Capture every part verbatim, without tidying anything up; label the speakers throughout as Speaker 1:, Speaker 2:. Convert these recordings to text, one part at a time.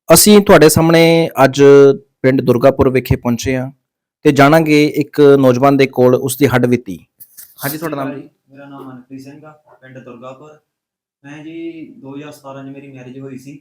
Speaker 1: ਅਸੀਂ ਤੁਹਾਡੇ ਸਾਹਮਣੇ ਅੱਜ ਪਿੰਡ ਦੁਰਗਾਪੁਰ ਵਿਖੇ ਪਹੁੰਚੇ ਹਾਂ ਤੇ ਜਾਣਾਂਗੇ ਇੱਕ ਨੌਜਵਾਨ ਦੇ ਕੋਲ ਉਸ ਦੀ ਹੱਡਬੀਤੀ। ਹਾਂਜੀ, ਤੁਹਾਡਾ ਨਾਮ ਜੀ?
Speaker 2: ਮੇਰਾ ਨਾਮ ਮਨਪ੍ਰੀਤ ਸਿੰਘ ਆ, ਪਿੰਡ ਦੁਰਗਾਪੁਰ। ਮੈਂ ਜੀ ਦੋ ਹਜ਼ਾਰ ਸਤਾਰਾਂ 'ਚ ਮੇਰੀ ਮੈਰਿਜ ਹੋਈ ਸੀ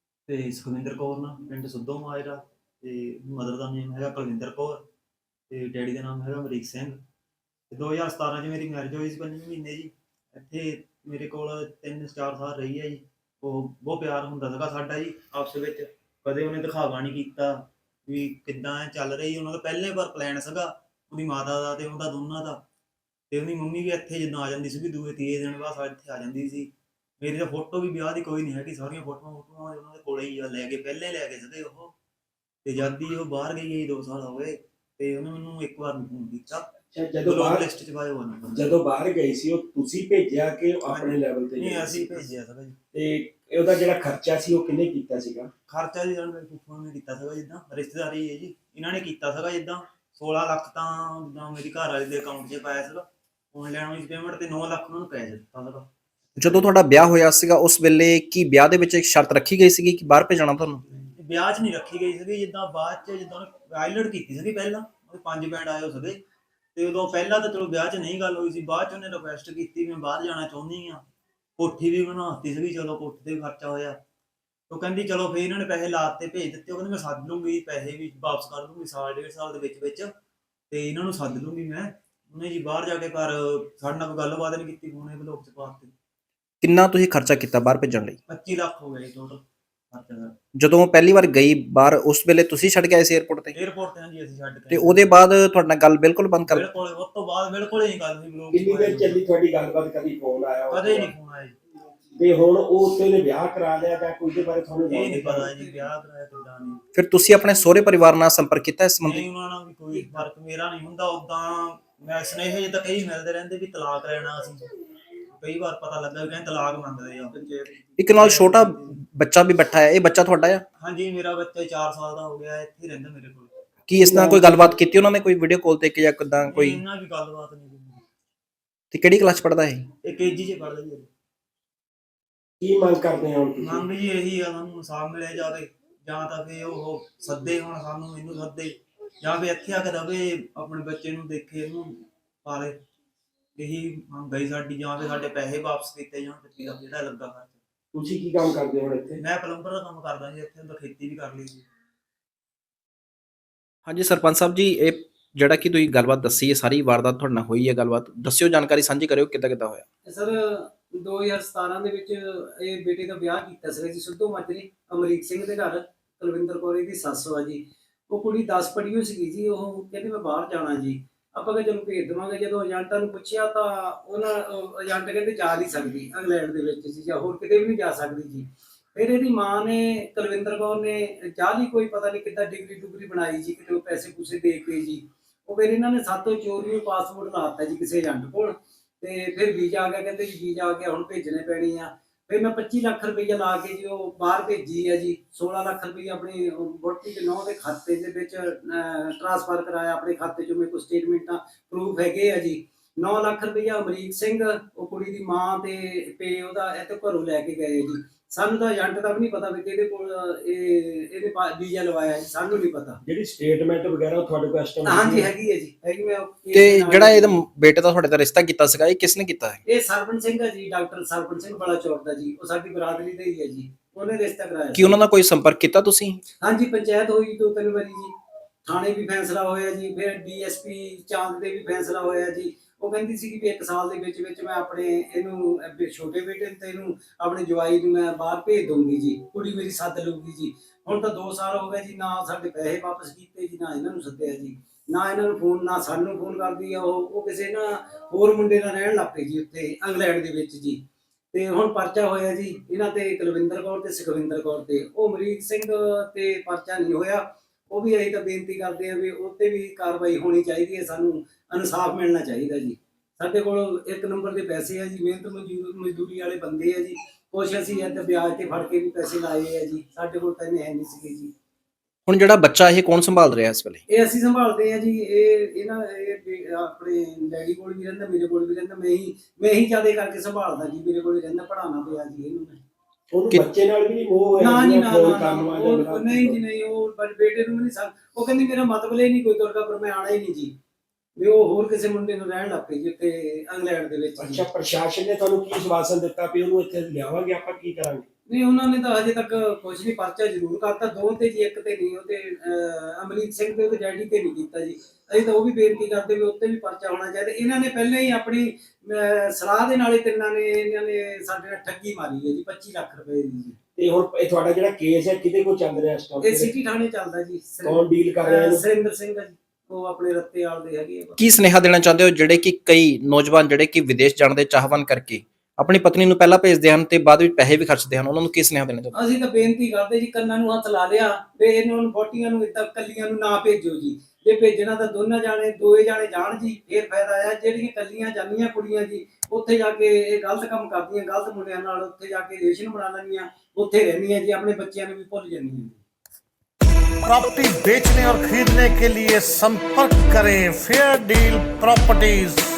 Speaker 2: ਤੇ ਸੁਖਵਿੰਦਰ ਕੌਰ ਨਾਲ, ਪਿੰਡ ਸੁੱਧੋ ਮਾਜਰਾ। ਤੇ ਮਦਰ ਦਾ ਨੇਮ ਹੈਗਾ ਕੁਲਵਿੰਦਰ ਕੌਰ ਤੇ ਡੈਡੀ ਦਾ ਨਾਮ ਹੈਗਾ ਅਮਰੀਕ ਸਿੰਘ। ਤੇ ਦੋ ਹਜ਼ਾਰ ਸਤਾਰਾਂ 'ਚ ਮੇਰੀ ਮੈਰਿਜ ਹੋਈ ਸੀ ਪੰਜਵੇਂ ਮਹੀਨੇ ਜੀ। ਇੱਥੇ ਮੇਰੇ ਕੋਲ ਤਿੰਨ ਚਾਰ ਸਾਲ ਰਹੀ ਹੈ ਜੀ। ਉਹ ਬਹੁਤ ਪਿਆਰ ਹੁੰਦਾ ਸੀਗਾ ਸਾਡਾ ਜੀ ਆਪਸ ਵਿੱਚ। ਕਦੇ ਉਹਨੇ ਦਿਖਾਵਾ ਨਹੀਂ ਕੀਤਾ ਵੀ ਕਿੱਦਾਂ ਚੱਲ ਰਹੀ। ਉਹਨਾਂ ਦਾ ਪਹਿਲੇ ਵਾਰ ਪਲਾਨ ਸੀਗਾ ਉਹਦੀ ਮਾਤਾ ਦਾ ਤੇ ਉਹਦਾ ਦੋਨਾਂ ਦਾ। ਤੇ ਉਹਦੀ ਮੰਮੀ ਵੀ ਇੱਥੇ ਜਿੱਦਾਂ ਆ ਜਾਂਦੀ ਸੀਗੀ, ਦੂਏ ਤੀਏ ਦਿਨ ਬਾਅਦ ਸਾਡੇ ਇੱਥੇ ਆ ਜਾਂਦੀ ਸੀ। ਮੇਰੀ ਤਾਂ ਫੋਟੋ ਵੀ ਵਿਆਹ ਦੀ ਕੋਈ ਨਹੀਂ ਹੈਗੀ, ਸਾਰੀਆਂ ਫੋਟੋਆਂ ਫੋਟੋਆਂ ਉਹਨਾਂ ਦੇ ਕੋਲੇ ਹੀ ਆ, ਲੈ ਕੇ ਪਹਿਲੇ ਲੈ ਕੇ ਸੀਗੇ ਉਹ। ਤੇ ਜਦ ਹੀ ਉਹ ਬਾਹਰ ਗਈ ਹੈ ਦੋ ਸਾਲ ਹੋ ਗਏ ਤੇ ਉਹਨੇ ਮੈਨੂੰ ਇੱਕ ਵਾਰ ਫੋਨ ਕੀਤਾ।
Speaker 3: ਜਦੋਂ ਬਾਹਰ
Speaker 2: ਲਿਸਟ 'ਚ ਪਾਇਆ ਹੋਇਆ
Speaker 3: ਜਦੋਂ ਬਾਹਰ ਗਈ ਸੀ ਉਹ ਤੁਸੀਂ ਭੇਜਿਆ ਕਿ ਆਪਣੇ ਲੈਵਲ ਤੇ?
Speaker 2: ਨਹੀਂ, ਅਸੀਂ ਭੇਜਿਆ ਸੀਗਾ ਜੀ।
Speaker 3: ਤੇ ਉਹਦਾ ਜਿਹੜਾ ਖਰਚਾ ਸੀ ਉਹ ਕਿੰਨੇ ਕੀਤਾ ਸੀਗਾ?
Speaker 2: ਖਰਚਾ ਜੀ ਮੇਰੇ ਫੁੱਫੜ ਨੇ ਕੀਤਾ ਸੀਗਾ, ਜਿੱਦਾਂ ਰਿਸ਼ਤੇਦਾਰੀ ਹੈ ਜੀ ਇਹਨਾਂ ਨੇ ਕੀਤਾ ਸੀਗਾ। ਜਿੱਦਾਂ ਸੋਲਾਂ ਲੱਖ ਤਾਂ ਜਿੱਦਾਂ ਮੇਰੀ ਘਰ ਵਾਲੇ ਦੇ ਅਕਾਊਂਟ 'ਚ ਪਾਇਆ ਸੀਗਾ ਆਨਲਾਈਨ ਵਿੱਚ ਪੇਮੈਂਟ, ਤੇ ਨੌ ਲੱਖ ਉਹਨਾਂ ਨੂੰ ਪੈ ਦਿੱਤਾ ਸੀਗਾ।
Speaker 1: ਜਦੋਂ ਤੁਹਾਡਾ ਵਿਆਹ ਹੋਇਆ ਸੀਗਾ ਉਸ ਵੇਲੇ ਕੀ ਵਿਆਹ ਦੇ ਵਿੱਚ ਇੱਕ ਸ਼ਰਤ ਰੱਖੀ ਗਈ ਸੀਗੀ ਕਿ ਬਾਹਰ ਭੇਜਣਾ ਤੁਹਾਨੂੰ?
Speaker 2: ਵਿਆਹ 'ਚ ਨਹੀਂ ਰੱਖੀ ਗਈ ਸੀਗੀ, ਜਿੱਦਾਂ ਬਾਅਦ 'ਚ ਜਿੱਦਾਂ ਆਈਲੈਂਡ ਕੀਤੀ ਸੀਗੀ ਪਹਿਲਾਂ, ਉਹਦੇ ਪੰਜ ਬੈਂਡ ਆਏ ਹੋ ਸੀਗੇ। ਤੇ ਉਦੋਂ ਪਹਿਲਾਂ ਤਾਂ ਚਲੋ ਵਿਆਹ 'ਚ ਨਹੀਂ ਗੱਲ ਹੋਈ ਸੀ, ਬਾਅਦ 'ਚ ਉਹਨੇ ਰਿਕੁਐਸਟ ਕੀਤੀ ਮੈਂ ਬਾਹਰ ਜਾਣਾ ਚਾਹੁੰਦੀ ਹਾਂ। ਕੋਠੀ ਵੀ ਬਣਾਤੀ ਸੀਗੀ, ਚਲੋ ਕੋਠੀ ਤੇ ਵੀ ਖਰਚਾ ਹੋਇਆ। ਉਹ ਕਹਿੰਦੀ ਚਲੋ ਫਿਰ ਇਹਨਾਂ ਨੇ ਪੈਸੇ ਲਾਤੇ, ਭੇਜ ਦਿੱਤੇ। ਉਹ ਕਹਿੰਦੀ ਮੈਂ ਸੱਦ ਲੂੰਗੀ, ਪੈਸੇ ਵੀ ਵਾਪਸ ਕਰ ਦੂੰਗੀ ਸਾਲ ਡੇਢ ਸਾਲ ਦੇ ਵਿੱਚ ਵਿੱਚ, ਤੇ ਇਹਨਾਂ ਨੂੰ ਸੱਦ ਲੂੰਗੀ ਮੈਂ। ਉਹਨੇ ਜੀ ਬਾਹਰ ਜਾ ਕੇ ਘਰ ਸਾਡੇ ਨਾਲ ਕੋਈ ਗੱਲਬਾਤ ਨਹੀਂ ਕੀਤੀ, ਫੋਨੇ ਬਲੌਕ 'ਚ ਪਾਤੇ।
Speaker 1: ਕਿੰਨਾ ਤੁਸੀਂ ਖਰਚਾ ਕੀਤਾ ਬਾਹਰ ਭੇਜਣ ਲਈ?
Speaker 2: ਪੱਚੀ ਲੱਖ ਹੋ ਗਏ ਟੋਟਲ ਖਰਚਾ ਦਾ।
Speaker 1: ਜਦੋਂ ਪਹਿਲੀ ਵਾਰ ਗਈ ਬਾਹਰ ਉਸ ਵੇਲੇ ਤੁਸੀਂ ਛੱਡ ਕੇ ਆਏ ਸੀ 에ਅਰਪੋਰਟ ਤੇ?
Speaker 2: 에ਅਰਪੋਰਟ ਤੇ ਹਾਂਜੀ ਅਸੀਂ ਛੱਡ ਕੇ।
Speaker 1: ਤੇ ਉਹਦੇ ਬਾਅਦ ਤੁਹਾਡੇ ਨਾਲ ਗੱਲ ਬਿਲਕੁਲ ਬੰਦ ਕਰ?
Speaker 2: ਬਿਲਕੁਲ, ਉਸ ਤੋਂ ਬਾਅਦ ਬਿਲਕੁਲ ਹੀ ਗੱਲ ਨਹੀਂ। ਬਲੌਕ
Speaker 3: ਕਿੰਨੀ ਦੇਰ ਚੱਲੀ ਤੁਹਾਡੀ ਗੱਲਬਾਤ? ਕਦੀ ਫੋਨ ਆਇਆ?
Speaker 2: ਕਦੇ ਨਹੀਂ ਫੋਨ ਆਇਆ ਜੀ।
Speaker 3: ਤੇ ਹੁਣ ਉਹ ਉੱਥੇ ਨੇ ਵਿਆਹ ਕਰਾ ਲਿਆ ਜਾਂ ਕੋਈ ਦੇ ਬਾਰੇ ਤੁਹਾਨੂੰ
Speaker 2: ਇਹ ਨਹੀਂ ਪਤਾ ਜੀ ਵਿਆਹ ਕਰਾਇਆ ਕਿੱਦਾਂ ਨਹੀਂ।
Speaker 1: ਫਿਰ ਤੁਸੀਂ ਆਪਣੇ ਸਹੁਰੇ ਪਰਿਵਾਰ ਨਾਲ ਸੰਪਰਕ ਕੀਤਾ ਇਸ ਸੰਬੰਧੀ?
Speaker 2: ਨਹੀਂ, ਉਹਨਾਂ ਨਾਲ ਵੀ ਕੋਈ ਫਰਕ ਮੇਰਾ ਨਹੀਂ ਹੁੰਦਾ। ਉਦਾਂ ਮੈਂ ਸੁਨੇਹੇ ਜਿੱਦਾਂ ਕਈ ਮਿਲਦੇ ਰਹਿੰਦੇ ਵੀ ਤਲਾਕ ਲੈਣਾ ਅਸੀਂ, ਕਈ ਵਾਰ ਪਤਾ ਲੱਗਾ ਵੀ ਕਹਿੰਦੇ ਤਲਾਕ ਮੰਗਦੇ ਆ।
Speaker 1: ਇੱਕ ਨਾਲ ਛੋਟਾ ਬੱਚਾ ਵੀ ਬੈਠਾ ਹੈ, ਇਹ ਬੱਚਾ ਤੁਹਾਡਾ ਆ?
Speaker 2: ਹਾਂਜੀ, ਮੇਰਾ ਬੱਚਾ ਚਾਰ ਸਾਲ ਦਾ ਹੋ ਗਿਆ, ਇੱਥੇ ਹੀ ਰਹਿੰਦਾ ਮੇਰੇ ਕੋਲ।
Speaker 1: ਕੀ ਇਸ ਨਾਲ ਕੋਈ ਗੱਲਬਾਤ ਕੀਤੀ ਉਹਨਾਂ ਨੇ, ਕੋਈ ਵੀਡੀਓ ਕਾਲ ਤੇ ਕਿ ਜਾਂ ਕਿੱਦਾਂ ਕੋਈ?
Speaker 2: ਇਹਨਾਂ ਵੀ ਗੱਲਬਾਤ ਨਹੀਂ ਕੀਤੀ।
Speaker 1: ਤੇ ਕਿਹੜੀ ਕਲਾਸ 'ਚ ਪੜ੍ਹਦਾ ਹੈ?
Speaker 2: ਇਹ ਕੇਜੀ 'ਚ ਪੜ੍ਹਦਾ ਜੀ।
Speaker 3: ਕੀ ਮੰਗ ਕਰਦੇ ਹੋ ਤੁਸੀਂ?
Speaker 2: ਮੰਗ ਜੀ ਇਹੀ ਆ, ਸਾਨੂੰ ਇਨਸਾਫ ਮਿਲਿਆ ਜਾਵੇ, ਜਾਂ ਤਾਂ ਫਿਰ ਉਹ ਸੱਦੇ ਹੁਣ ਸਾਨੂੰ, ਇਹਨੂੰ ਸੱਦੇ, ਜਾਂ ਫਿਰ ਇੱਥੇ ਆ ਕੇ ਰਵੇ, ਆਪਣੇ ਬੱਚੇ ਨੂੰ ਦੇਖੇ, ਇਹਨੂੰ ਪਾਲੇ। ਇਹੀ ਮੰਗ ਗਈ ਸਾਡੀ, ਜਾਂ ਫਿਰ ਸਾਡੇ ਪੈਸੇ ਵਾਪਸ ਕੀਤੇ ਜਾਣ ਪੱਚੀ ਲੱਖ ਜਿਹੜਾ ਲੱਗਾ ਖਰਚਾ।
Speaker 3: ਤੁਸੀਂ ਕੀ ਕੰਮ ਕਰਦੇ ਹੋ ਇੱਥੇ?
Speaker 2: ਮੈਂ ਪਲੰਬਰ ਦਾ ਕੰਮ ਕਰਦਾ ਜੀ ਇੱਥੇ, ਤਾਂ ਖੇਤੀ ਵੀ ਕਰ ਲਈ ਜੀ।
Speaker 1: ਹਾਂਜੀ ਸਰਪੰਚ ਸਾਹਿਬ ਜੀ, ਇਹ ਜਿਹੜਾ ਕਿ ਤੁਸੀਂ ਗੱਲਬਾਤ ਦੱਸੀ ਹੈ, ਸਾਰੀ ਵਾਰਦਾਤ ਤੁਹਾਡੇ ਨਾਲ ਹੋਈ ਹੈ, ਗੱਲਬਾਤ ਦੱਸਿਓ, ਜਾਣਕਾਰੀ ਸਾਂਝੀ ਕਰਿਓ ਕਿੱਦਾਂ ਕਿੱਦਾਂ ਹੋਇਆ।
Speaker 4: ਸਰ ਦੋ ਹਜ਼ਾਰ ਸਤਾਰਾਂ ਦੇ ਵਿੱਚ ਇਹ ਬੇਟੇ ਦਾ ਵਿਆਹ ਕੀਤਾ ਸੀਗਾ ਜੀ ਸਿੱਧੂ ਮਾਜਰੇ ਅਮਰੀਕ ਸਿੰਘ ਦੇ ਘਰ। ਕੁਲਵਿੰਦਰ ਕੌਰ ਦੀ ਸੱਸ ਆ ਜੀ। ਉਹ ਕੁੜੀ ਦਸ ਪੜ੍ਹੀ ਹੋਈ ਸੀਗੀ ਜੀ। ਉਹ ਕਹਿੰਦੀ ਮੈਂ ਬਾਹਰ ਜਾਣਾ ਜੀ। ਆਪਾਂ ਕਿ ਚਲੋ ਭੇਜ ਦੇਵਾਂਗੇ। ਜਦੋਂ ਏਜੰਟਾਂ ਨੂੰ ਪੁੱਛਿਆ ਤਾਂ ਉਹਨਾਂ ਏਜੰਟ ਕਹਿੰਦੇ ਜਾ ਨਹੀਂ ਸਕਦੀ ਇੰਗਲੈਂਡ ਦੇ ਵਿੱਚ ਜੀ, ਜਾਂ ਹੋਰ ਕਿਤੇ ਵੀ ਨਹੀਂ ਜਾ ਸਕਦੀ ਜੀ। ਫਿਰ ਇਹਦੀ ਮਾਂ ਨੇ, ਕੁਲਵਿੰਦਰ ਕੌਰ ਨੇ ਚਾਹ ਲਈ ਕੋਈ ਪਤਾ ਨਹੀਂ ਕਿੱਦਾਂ ਡਿਗਰੀ ਡੁਗਰੀ ਬਣਾਈ ਜੀ, ਕਿਤੇ ਉਹ ਪੈਸੇ ਪੂਸੇ ਦੇ ਕੇ ਜੀ। ਉਹ ਫਿਰ ਇਹਨਾਂ ਨੇ ਸਾਤੋਂ ਚੋਰੀ ਪਾਸਪੋਰਟ ਲਾਤਾ ਜੀ ਕਿਸੇ ਏਜੰਟ ਕੋਲ। ਤੇ ਫਿਰ ਵੀਜ਼ਾ ਆ ਗਿਆ, ਕਹਿੰਦੇ ਜੀ ਵੀਜ਼ਾ ਆ ਗਿਆ, ਹੁਣ ਭੇਜਣੇ ਪੈਣੀ ਆ। ਫਿਰ ਮੈਂ ਪੱਚੀ ਲੱਖ ਰੁਪਈਆ ਲਾ ਕੇ ਜੀ ਉਹ ਬਾਹਰ ਭੇਜੀ ਆ ਜੀ। ਸੋਲਾਂ ਲੱਖ ਰੁਪਈਆ ਆਪਣੀ ਵਹੁਟੀ ਦੇ ਨੌਂ ਦੇ ਖਾਤੇ ਦੇ ਵਿੱਚ ਟ੍ਰਾਂਸਫਰ ਕਰਾਇਆ। ਆਪਣੇ ਖਾਤੇ 'ਚੋਂ ਮੇਰੇ ਕੋਲ ਸਟੇਟਮੈਂਟਾਂ ਪ੍ਰੂਫ ਹੈਗੇ ਆ ਜੀ। ਨੌ ਲੱਖ ਰੁਪਈਆ ਅਮਰੀਕ ਸਿੰਘ, ਉਹ ਕੁੜੀ ਦੀ ਮਾਂ ਤੇ ਪੇ ਉਹਦਾ ਇੱਥੇ ਘਰੋਂ ਲੈ ਕੇ ਗਏ ਜੀ। ਸਾਨੂੰ ਤਾਂ ਏਜੰਟ ਦਾ ਵੀ ਨਹੀਂ ਪਤਾ ਵੀ ਕਿਹਦੇ ਕੋਲ ਇਹ ਇਹਦੇ ਵੀਜ਼ਾ ਲਵਾਇਆ ਜੀ, ਸਾਨੂੰ ਨਹੀਂ ਪਤਾ।
Speaker 3: ਜਿਹੜੀ ਸਟੇਟਮੈਂਟ ਵਗੈਰਾ ਤੁਹਾਡੇ ਕੋਲ ਇਸ ਟਾਈਮ?
Speaker 4: ਹਾਂਜੀ ਹੈਗੀ ਹੈ ਜੀ, ਹੈਗੀ। ਮੈਂ
Speaker 1: ਤੇ ਜਿਹੜਾ ਇਹਦਾ ਬੇਟੇ ਦਾ ਤੁਹਾਡੇ ਦਾ ਰਿਸ਼ਤਾ ਕੀਤਾ ਸੀਗਾ, ਇਹ ਕਿਸ ਨੇ ਕੀਤਾ ਹੈ?
Speaker 4: ਇਹ ਸਰਪੰਚ ਸਿੰਘ ਹੈ ਜੀ, ਡਾਕਟਰ ਸਰਪੰਚ ਸਿੰਘ ਬੜਾ ਚੌੜ ਦਾ ਜੀ। ਉਹ ਸਾਡੀ ਬਰਾਦਰੀ ਦਾ ਹੀ ਹੈ ਜੀ। ਉਹਨੇ ਰਿਸ਼ਤਾ ਕਰਾਇਆ।
Speaker 1: ਕੀ ਉਹਨਾਂ ਨਾਲ ਕੋਈ ਸੰਪਰਕ ਕੀਤਾ ਤੁਸੀਂ?
Speaker 4: ਹਾਂਜੀ, ਪੰਚਾਇਤ ਹੋਈ ਦੋ ਤਿੰਨ ਵਾਰੀ ਜੀ। ਥਾਣੇ ਵੀ ਫੈਸਲਾ ਹੋਇਆ ਜੀ। ਫਿਰ ਡੀਐਸਪੀ ਚਾਂਦ ਦੇ ਵੀ ਫੈਸਲਾ ਹੋਇਆ ਜੀ। ਉਹ ਕਹਿੰਦੀ ਸੀ ਕਿ ਇੱਕ ਸਾਲ ਦੇ ਵਿੱਚ ਵਿੱਚ ਮੈਂ ਆਪਣੇ ਇਹਨੂੰ ਛੋਟੇ ਬੇਟੇ ਨੂੰ ਤੇ ਇਹਨੂੰ ਆਪਣੇ ਜਵਾਈ ਨੂੰ ਮੈਂ ਬਾਹਰ ਭੇਜ ਦਊਂਗੀ ਜੀ, ਕੁੜੀ ਮੇਰੀ ਸੱਦ ਲਊਗੀ ਜੀ। ਹੁਣ ਤਾਂ ਦੋ ਸਾਲ ਹੋ ਗਏ ਜੀ, ਨਾ ਸਾਡੇ ਪੈਸੇ ਵਾਪਸ ਕੀਤੇ ਜੀ, ਨਾ ਇਹਨਾਂ ਨੂੰ ਸੱਦਿਆ ਜੀ, ਨਾ ਇਹਨਾਂ ਨੂੰ ਫੋਨ, ਨਾ ਸਾਨੂੰ ਫੋਨ ਕਰਦੀ ਆ ਉਹ। ਉਹ ਕਿਸੇ ਨਾ ਹੋਰ ਮੁੰਡੇ ਨਾਲ ਰਹਿਣ ਲੱਗ ਪਏ ਜੀ ਉੱਥੇ ਇੰਗਲੈਂਡ ਦੇ ਵਿੱਚ ਜੀ। ਤੇ ਹੁਣ ਪਰਚਾ ਹੋਇਆ ਜੀ ਇਹਨਾਂ ਤੇ, ਕੁਲਵਿੰਦਰ ਕੌਰ ਤੇ ਸੁਖਵਿੰਦਰ ਕੌਰ ਤੇ। ਉਹ ਅਮਰੀਕ ਸਿੰਘ ਤੇ ਪਰਚਾ ਨਹੀਂ ਹੋਇਆ। ਉਹ ਵੀ ਅਸੀਂ ਤਾਂ ਬੇਨਤੀ ਕਰਦੇ ਆ ਵੀ ਉੱਤੇ ਵੀ ਕਾਰਵਾਈ ਹੋਣੀ ਚਾਹੀਦੀ ਹੈ। ਸਾਨੂੰ ਇਨਸਾਫ ਮਿਲਣਾ ਚਾਹੀਦਾ ਜੀ। ਸਾਡੇ ਕੋਲ ਇੱਕ ਨੰਬਰ ਦੇ ਪੈਸੇ ਆ ਜੀ, ਮਿਹਨਤ ਮਜ਼ਦੂਰ ਮਜ਼ਦੂਰੀ ਵਾਲੇ ਬੰਦੇ ਆ ਜੀ। ਕੁਛ ਅਸੀਂ ਇੱਥੇ ਵਿਆਜ ਤੇ ਫੜ ਕੇ ਵੀ ਪੈਸੇ ਲਾਏ ਆ ਜੀ। ਸਾਡੇ ਕੋਲ ਤਾਂ ਇੰਨੇ ਹੈ ਨਹੀਂ ਸੀਗੇ ਜੀ।
Speaker 1: ਹੁਣ ਜਿਹੜਾ ਬੱਚਾ ਇਹ ਕੌਣ ਸੰਭਾਲ ਰਿਹਾ ਇਸ ਵੇਲੇ?
Speaker 4: ਇਹ ਅਸੀਂ ਸੰਭਾਲਦੇ ਆ ਜੀ। ਇਹ ਇਹਨਾਂ ਇਹ ਆਪਣੇ ਡੈਡੀ ਕੋਲ ਵੀ ਰਹਿੰਦਾ, ਮੇਰੇ ਕੋਲ ਵੀ ਰਹਿੰਦਾ। ਮੈਂ ਹੀ ਮੈਂ ਹੀ ਜ਼ਿਆਦਾ ਕਰਕੇ ਸੰਭਾਲਦਾ ਜੀ। ਮੇਰੇ ਕੋਲ ਹੀ ਰਹਿੰਦਾ, ਪੜ੍ਹਾਉਣਾ ਪਿਆ ਜੀ ਇਹਨੂੰ ਮੈਂ।
Speaker 3: ਉਹਨੂੰ
Speaker 1: ਕਿ-
Speaker 3: ਬੱਚੇ ਨਾਲ ਵੀ ਨਹੀਂ ਮੋਹ ਹੋਇਆ
Speaker 4: ਨਾ ਜੀ
Speaker 3: ਜਿਹੜਾ
Speaker 4: ਨਾ
Speaker 3: ਫੋਨ
Speaker 4: ਨਾ
Speaker 3: ਕਰਨ
Speaker 4: ਨਾ,
Speaker 3: ਵਾਲਾ
Speaker 4: ਉਹ
Speaker 3: ਜਿਹੜਾ
Speaker 4: ਉਹ ਨਹੀਂ ਜੀ ਨਹੀਂ, ਉਹ ਬਸ ਬੇਟੇ ਨੂੰ ਵੀ ਨਹੀਂ ਸਕ ਉਹ ਕਹਿੰਦੀ ਮੇਰਾ ਮਤਲਬ ਹੀ ਨਹੀਂ ਕੋਈ ਦੁਰਗਾਪੁਰ ਮੈਂ ਆਣਾ ਹੀ ਨਹੀਂ ਜੀ, ਵੀ ਉਹ ਹੋਰ ਕਿਸੇ ਮੁੰਡੇ ਨੂੰ ਰਹਿਣ ਲੱਗ ਪਈ ਜੀ ਉੱਥੇ ਇੰਗਲੈਂਡ ਦੇ ਵਿੱਚ ਜੀ।
Speaker 3: ਅੱਛਾ, ਪ੍ਰਸ਼ਾਸਨ ਨੇ ਤੁਹਾਨੂੰ ਕੀ ਸਵਾਸਨ ਦਿੱਤਾ ਵੀ ਉਹਨੂੰ ਇੱਥੇ ਲਿਆਵਾਂਗੇ ਆਪਾਂ, ਕੀ ਕਰਾਂਗੇ?
Speaker 4: ਨਹੀਂ ਉਹਨਾਂ ਨੇ ਤਾਂ ਹਜੇ ਤੱਕ ਕੁਝ ਨਹੀਂ, ਪਰਚਾ ਜ਼ਰੂਰ ਕਰਤਾ ਦੋ ਤੇ ਜੀ, ਇੱਕ ਤੇ ਨਹੀਂ, ਉਹਦੇ ਅਹ, ਅਮਰੀਕ ਸਿੰਘ ਤੇ ਉਹਦੇ ਡੈਡੀ ਤੇ ਨਹੀਂ ਕੀਤਾ ਜੀ। ਅਸੀਂ ਤਾਂ ਉਹ ਵੀ ਬੇਨਤੀ ਕਰਦੇ ਵੀ ਉੱਤੇ ਵੀ ਪਰਚਾ ਹੋਣਾ ਚਾਹੀਦਾ। ਇਹਨਾਂ ਨੇ ਪਹਿਲਾਂ ਹੀ ਆਪਣੀ ਅਹ, ਸਲਾਹ ਦੇ ਨਾਲ ਹੀ ਤਿੰਨਾਂ ਨੇ ਇਹਨਾਂ ਨੇ ਸਾਡੇ ਨਾਲ ਠੱਗੀ ਮਾਰੀ ਹੈ ਜੀ ਪੱਚੀ ਲੱਖ ਰੁਪਏ ਦੀ ਜੀ।
Speaker 3: ਤੇ ਹੁਣ ਇਹ ਤੁਹਾਡਾ ਜਿਹੜਾ ਕੇਸ ਹੈ ਕਿਹਦੇ ਕੋਲ ਚੱਲ ਰਿਹਾ ਇਸ
Speaker 4: ਇਹ
Speaker 3: ਟਾਈਮ?
Speaker 4: ਸਿਟੀ ਥਾਣੇ ਚੱਲਦਾ ਜੀ।
Speaker 3: ਕੌਣ ਡੀਲ ਕਰ ਰਿਹਾ
Speaker 4: ਅਹ,
Speaker 3: ਇਹਨੂੰ?
Speaker 4: ਸੁਰਿੰਦਰ ਸਿੰਘ ਆ ਜੀ, ਉਹ ਆਪਣੇ ਰੱਤੇ ਵਾਲ ਦੇ ਹੈਗੇ ਆ।
Speaker 1: ਕੀ ਸੁਨੇਹਾ ਦੇਣਾ ਚਾਹੁੰਦੇ ਹੋ ਜਿਹੜੇ ਕਿ ਕਈ ਨੌਜਵਾਨ ਜਿਹੜੇ ਕਿ ਵਿਦੇਸ਼ ਜਾਣ ਦੇ ਚਾਹਵਾਨ ਕਰਕੇ ਆਪਣੀ ਪਤਨੀ ਨੂੰ ਪਹਿਲਾਂ ਭੇਜਦੇ ਹਨ ਤੇ ਬਾਅਦ ਵਿੱਚ ਪੈਸੇ ਵੀ ਖਰਚਦੇ ਹਨ, ਉਹਨਾਂ ਨੂੰ ਕੀ ਸੁਨੇਹਾ ਦੇਣਾ ਚਾਹੁੰਦੇ
Speaker 4: ਅਸੀਂ ਤਾਂ ਬੇਨਤੀ ਕਰਦੇ ਜੀ, ਕੰਨਾਂ ਨੂੰ ਹੱਥ ਲਾ ਲਿਆ ਤੇ ਇਹਨਾਂ ਨੂੰ ਬੋਟੀਆਂ ਨੂੰ ਇੱਦਾਂ ਕੱਲੀਆਂ ਨੂੰ ਨਾ ਭੇਜੋ ਜੀ। ਜੇ ਭੇਜਣਾ ਤਾਂ ਦੋਨਾਂ ਜਾਣੇ ਦੋਏ ਜਾਣੇ ਜਾਣ ਜੀ, ਫੇਰ ਫਾਇਦਾ ਆ। ਜਿਹੜੀਆਂ ਕੱਲੀਆਂ ਜਾਂਦੀਆਂ ਕੁੜੀਆਂ ਜੀ ਉੱਥੇ ਜਾ ਕੇ ਇਹ ਗਲਤ ਕੰਮ ਕਰਦੀਆਂ, ਗਲਤ ਮੁੰਡਿਆਂ ਨਾਲ ਉੱਥੇ ਜਾ ਕੇ ਰਿਲੇਸ਼ਨ ਬਣਾ ਲੈਂਦੀਆਂ, ਉੱਥੇ ਰਹਿੰਦੀਆਂ ਜੀ, ਆਪਣੇ ਬੱਚਿਆਂ ਨੂੰ ਵੀ ਭੁੱਲ ਜਾਂਦੀਆਂ ਜੀ।
Speaker 5: प्रॉपर्टी बेचने और खरीदने के लिए संपर्क करें फेयर डील प्रॉपर्टीज।